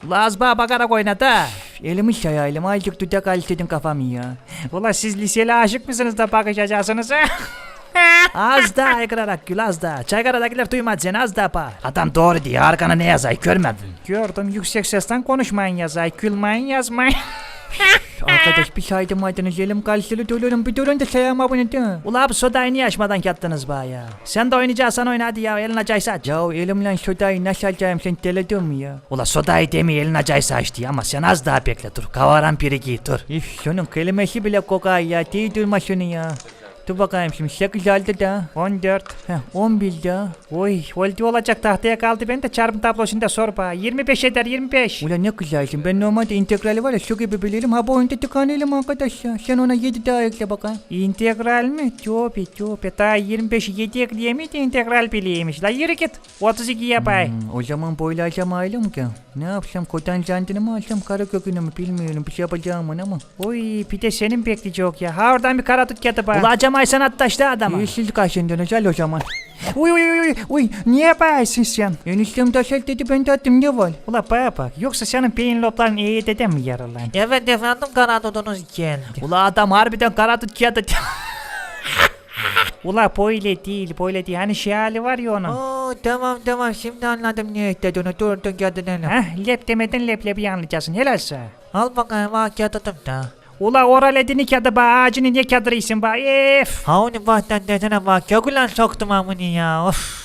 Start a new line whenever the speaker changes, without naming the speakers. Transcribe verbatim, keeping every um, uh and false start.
Laz bana bakarak oyna da. Elimi şayayım azıcık dudak alıştırdın kafamı ya.
Ula siz liseli aşık mısınız da bakışacaksınız?
Az daha aykırarak gül az daha. Çaykaradakiler duymaz seni az daha bağır. Adam doğru diyor arkana ne yazay görmedin.
Gördüm yüksek sesten konuşmayın yazay, gülmeyin yazmayın.
Arkadaş bir saydım aydınız elim kalsılı dolurum bir durun da sayama bunu da. Ula bu sodayı niye açmadan yattınız bana ya? Sen de oynayacaksan oyna hadi ya elin acaysa aç. Ya elimle sodayı nasıl açayım sen deledin mi ya? Ula sodayı demi elin acaysa açtı ama sen az daha bekle dur. Kavaran pirigi dur. Üf şunun kelimesi bile kokay ya değil durma şunu ya. Dur bakayım şimdi sekiz aldı da.
on dört.
Heh on bir da.
Oy oldu olacak tahtaya kaldı ben de çarpım tablosunda sor bana. yirmi beş eder yirmi beş.
Ulan ne güzelsin ben normalde integrali var ya şu gibi bilirim ha bu oyunda tıkanıyorum arkadaş ya. Sen ona yedi daha ekle bakayım.
İntegral mi? Tövbe tövbe daha yirmi beşi yedi ekleyemedi integral bileymiş. La yürü git. otuz iki yapay.
Hmm, o zaman boylayacağım ailem ki. Ne yapsam kotan zantını mı alsam kara kökünü mü bilmiyorum bir şey yapacağım ama.
Oy bir de senin bekleyecek ya. Ha oradan bir kara tut getir bana.
Ula acamay sen attaştı adama. Yeşil kaşındın özel o zaman.
Uy uy uy uy uy niye yaparsın sen?
Eniştem taşak dedi ben de attım ne var?
Ula bana bak yoksa senin beyin lobların iyi dede mi yaralan?
Evet efendim kanadodunuz geldi.
Ula adam harbiden kara tut kağıdı.
Ula böyle değil böyle değil hani şey hali var ya onun.
Oo tamam tamam şimdi anladım niye istediğini dur dur gel
Heh lep demeden leblebi anlayacaksın helal sana.
Al bakayım ha kağıdım da.
Ula oral edini kadı ba ağacını niye kadırıysın ba ef.
Ha onu bahten dedene bak kökülen soktum amını ya of.